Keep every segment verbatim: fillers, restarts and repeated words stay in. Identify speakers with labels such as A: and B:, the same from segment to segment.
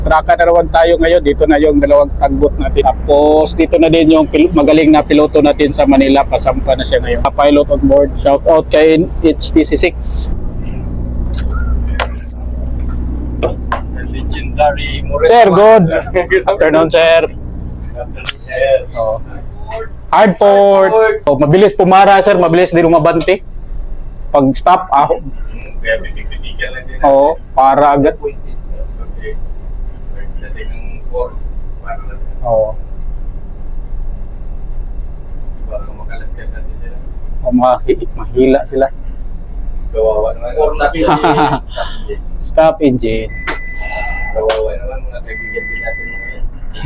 A: Traka na naman tayo ngayon. Dito na yung dalawang tagbot natin. Tapos dito na din yung pil- magaling na piloto natin sa Manila. Pasampa na siya ngayon. Pilot on board. Shout out kay H T C six.
B: Legendary Moreno.
A: Sir, good. Afternoon, sir. Oh. Hardport. Oh, mabilis pumara, sir. Mabilis din umabante. Pag stop, ah.
B: Kaya bitig-bitigan lang din.
A: Oo, para agad.
B: Okay. Dating ng four. Para lang.
A: Oo.
B: Para makalatkan natin sila.
A: Oh, mahi- mahila sila.
B: Kawawa naman. Stop engine.
A: Stop engine.
B: Kawawa naman mga kaibigan din natin mga yan.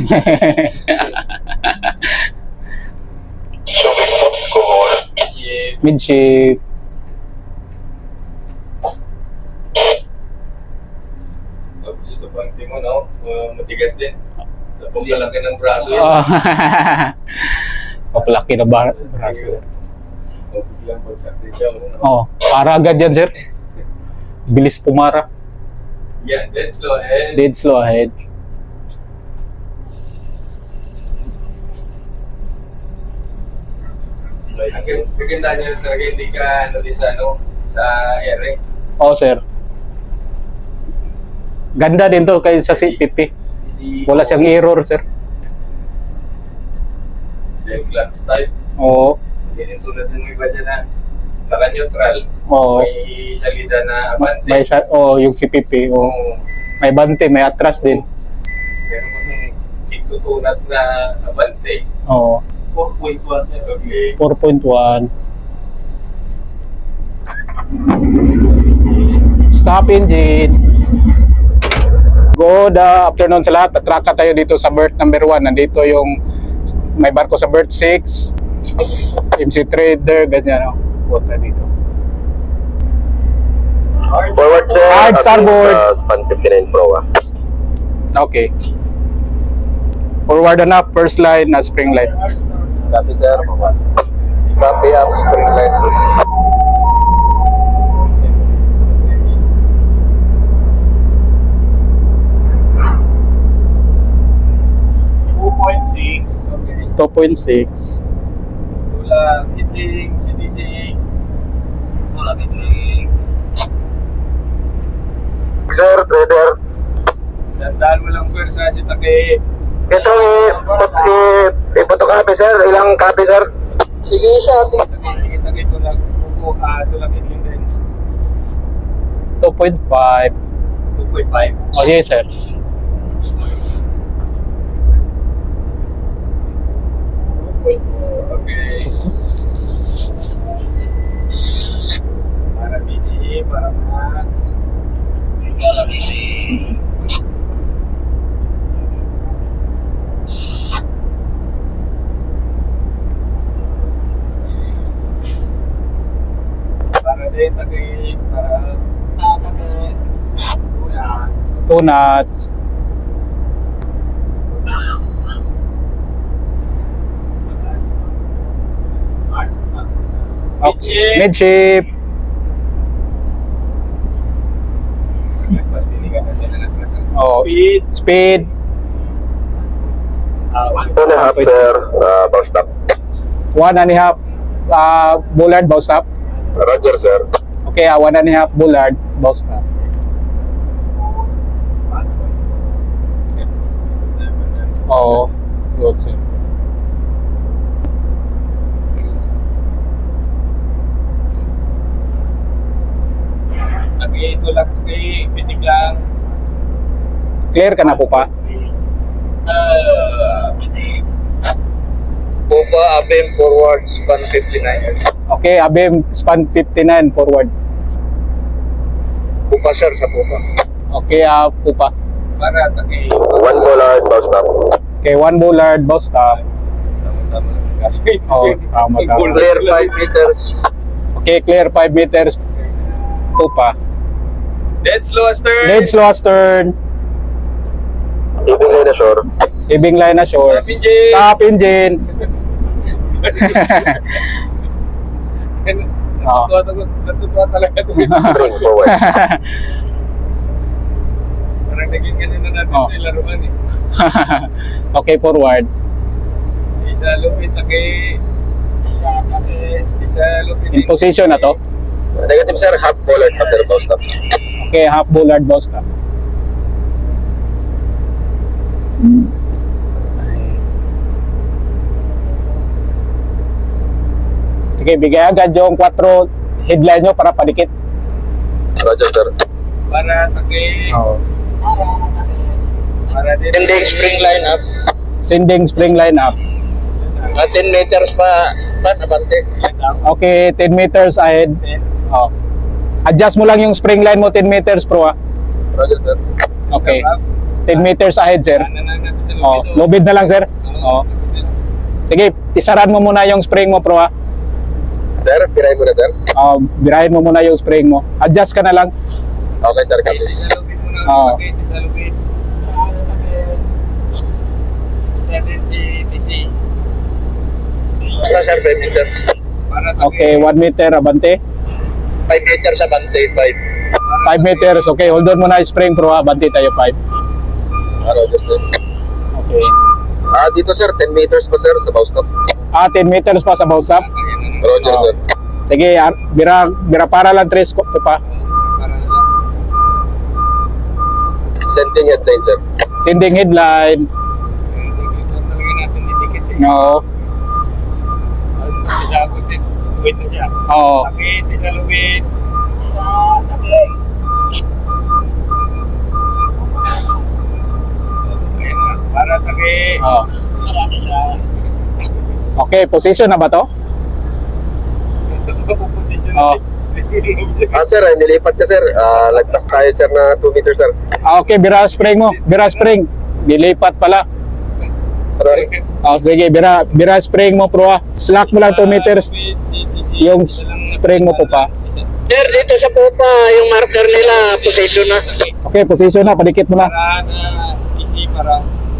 B: Chip.
A: Midship.
B: Tapos ito pang timo, no? Uh, matigas din. Tapos kalaki ng braso yan.
A: Oh. Papalaki na ba? Braso.
B: O biglang bagsak din siya. No?
A: Oh, para agad yan, sir. Bilis pumara.
B: Yan, dead slow ahead.
A: Dead slow ahead.
B: Ang ganda niya talaga hindi ka ano din sa ano sa ere.
A: Oh, sir. Ganda din to kay sa C P P. Wala siyang error, sir.
B: Then clutch type.
A: Oo.
B: Ganyan tulad ng iba dyan na naka-neutral.
A: Oo.
B: May salida na abante.
A: May sa oh, yung C P P. Oh.
B: Oo.
A: May bante, may atras din.
B: Meron ko nung eight to two knots na abante.
A: Oo.
B: four point one. Okay.
A: four point one. Stop engine. Good afternoon sa lahat. Tatraka tayo dito sa berth number one. Nandito yung may barko sa berth six. M C Trader, ganyan. Oh. Punta dito.
C: Forward sir,
A: Hard
C: at
A: starboard.
C: uh, span fifty-nine pro ah.
A: Okay. Forward and up, first line na spring line.
C: Copy sir. Copy up, spring line.
B: two point six. Okay.
A: two point six.
B: Tula, hitting, C T C. Tula, hitting.
C: Sir, trader.
B: Sandal mo lang pwersa si Take.
C: Ito eh, i- i-photocopy sir, ilang copy sir? Sige sir.
B: Take, sige Take, tula. Pupo, ah, tula, hitting din.
A: two point five.
B: two point five.
A: Oh, yes, sir.
B: two point four. Okay. Para busy, para max. Para busy. Para din, Take, para tama din. Kuya.
A: Two knots. Okay. Midship. Oh,
B: Speed.
A: speed.
B: Ah, one
C: Two and a half sir, uh, bow stop.
A: One and a half uh, bullard, bow stop.
C: Roger sir.
A: Okay, uh, one and a half bullard, bow stop. Oo. Good, sir.
B: Okay, ito lang. Okay, pitik lang.
A: Clear ka na po pa?
B: Uh, pitik.
C: Pupa, abim, forward, span fifty-nine.
A: Okay, abim, span fifty-nine forward.
C: Pupa sir, sa pupa.
A: Okay, uh, po pa.
B: Para, okay.
C: One bollard, bow stop.
A: Okay, one bullard, bow stop.
B: Tama-tama lang kasi.
A: Oh, tama, tama.
C: Clear five meters.
A: Okay, clear five meters. Po pa.
B: Dead slow astern.
A: Dead slow astern.
C: Ibig na shore.
A: Ibing line ashore.
B: Stop engine.
A: Stop engine. Oh.
B: Natutuwa, natutuwa talaga ito.
C: Spring forward.
B: Parang naging ganun na natin
A: Oh.
B: oh. laruan eh.
A: Okay, forward.
B: Isa lupit na kay... Isa lupit
A: In position na to.
C: Negative sir, half bollard pa sir, bow stop.
A: Okay, half bullard bow stop. Sige, bigay agad yung quattro headline nyo para padikit.
C: Roger sir.
B: Para takay...
A: Oh.
B: Para din...
C: Ending spring line up.
A: Sending spring line up.
C: Uh, ten meters pa, pa abante.
A: Okay, ten meters ahead. Oh. Adjust mo lang yung spring line mo ten meters pro ah.
C: Roger sir.
A: Okay. ten meters ahead, sir. Oh, lubid na lang, sir. Oh. Sige, tisaran mo muna yung spring mo, pro ah.
C: Sir, piray mo na sir.
A: Oh, birahin mo muna yung spring mo. Adjust ka na lang.
C: Okay sir, copy.
B: Isa lupit muna.
A: Oo.
B: Okay, isa lupit. Isa din si T C.
C: Ano sir, five meters.
B: Para takay...
A: Okay, one meter, abante.
C: five meters abante, five.
A: five meters, okay. Hold on muna yung spring, pro ah. Abante tayo, five.
C: Ah, Roger sir.
A: Okay.
C: Ah, dito sir, ten meters pa sir sa bow stop.
A: Ah, ten meters pa sa bow stop.
C: Roger
A: Oo.
C: sir.
A: Sige, ah, bira, bira para lang tres ko po pa.
B: Para na lang.
C: Sending headline sir.
A: Sending headline.
B: Talaga natin didikit eh.
A: No.
B: Alas pa siya ako din. Wait na siya.
A: Oo.
B: Takit, isa lupit. Ayan na. Para takit.
A: Oo. Okay, position na ba to?
B: Position
A: Oo.
C: Ah sir, ay, nilipat ka sir. Ah, lagpas tayo sir na two meters sir.
A: Ah, okay, bira spring mo. Bira spring. Dilipat pala.
C: Sorry.
A: Oh, sige, bira, bira spring mo, pro ah. Slack mo lang two meters. Yung spring mo po pa.
C: Sir, dito sa pupa, yung marker nila, position na.
A: Okay, position na. Padikit mo na.
B: Para na easy para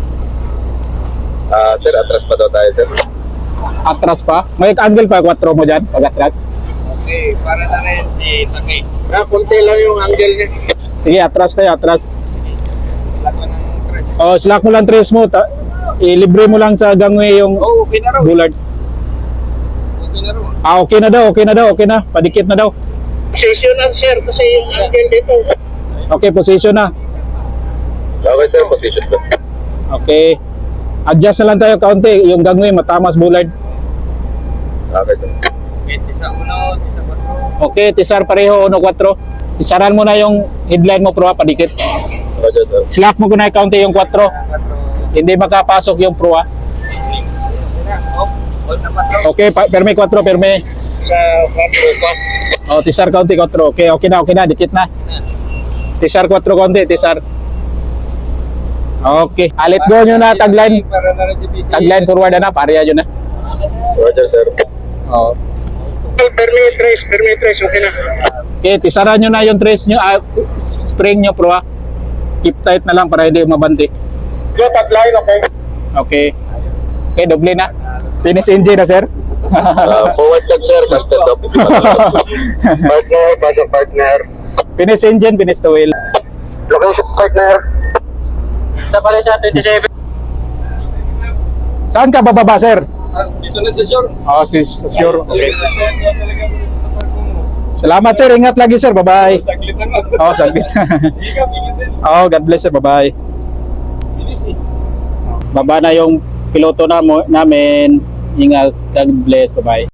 C: Ah, sir, atras pa daw tayo sir.
A: Atras pa. May angle pa, quattro mo dyan. Pag atras.
B: okay, para na rin si Takay.
C: Ah, kunti lang yung angle niya.
A: Sige, atras tayo, atras.
B: Slack ko ng tres.
A: Oh, slack mo lang tres mo. Ta- ilibre mo lang sa gangway yung
B: Oh, okay na raw.
A: bullard.
B: Okay na raw.
A: Ah, okay na daw, okay na daw, okay na. Padikit na daw.
C: Position na sir, kasi yung angle dito.
A: Okay, position na.
C: Okay sir, position po.
A: Okay. Adjust na lang tayo kaunti. Yung gangway, matamas bullard.
C: Okay sir.
B: Okay, tisa uno, tisa patro.
A: Okay, tisar pareho, uno, quattro. Tisaran mo na yung headline mo, pro, ah, padikit.
C: Roger sir.
A: Slack mo ko na yung kaunti yung quattro.
B: Patro.
A: Hindi makapasok yung pro, ah.
B: Oh, hold na patro.
A: Okay, pa- perme quattro, perme.
C: Sa quattro pa.
A: Oh, tisar kaunti, quattro. Okay, okay na, okay na, dikit na. Tisar quattro kaunti, tisar. Okay, alit go nyo na, tagline.
B: Para na rin si T C.
A: Tagline forward na, pareha yun na.
C: Roger sir.
A: Oh.
C: Permi trace, permi trace, okay na.
A: Okay, tisaran nyo na yung trace nyo, ah, spring nyo, pro, ah. Keep tight na lang para hindi mabanti.
C: Go tagline, okay.
A: Okay. Okay, doble na. Finish engine na, sir.
C: Ah, forward lang sir, casted up. Partner, basa partner.
A: Finish engine, finish the wheel.
C: Location partner. Sa pala sa twenty-seven.
A: Saan ka bababa, sir?
B: Ah, dito na si Shore.
A: Oh, si si- sure. Okay.
B: Talaga mo dito sa parko mo.
A: Salamat, sir. Ingat lagi, sir. Bye-bye.
B: Saglit lang ako.
A: Oh, saglit.
B: Hindi ka, bigyan din.
A: Oh, God bless, sir. Bye-bye.
B: Bilis eh.
A: Baba na yung piloto na mo, namin. Ingat. God bless. Bye-bye.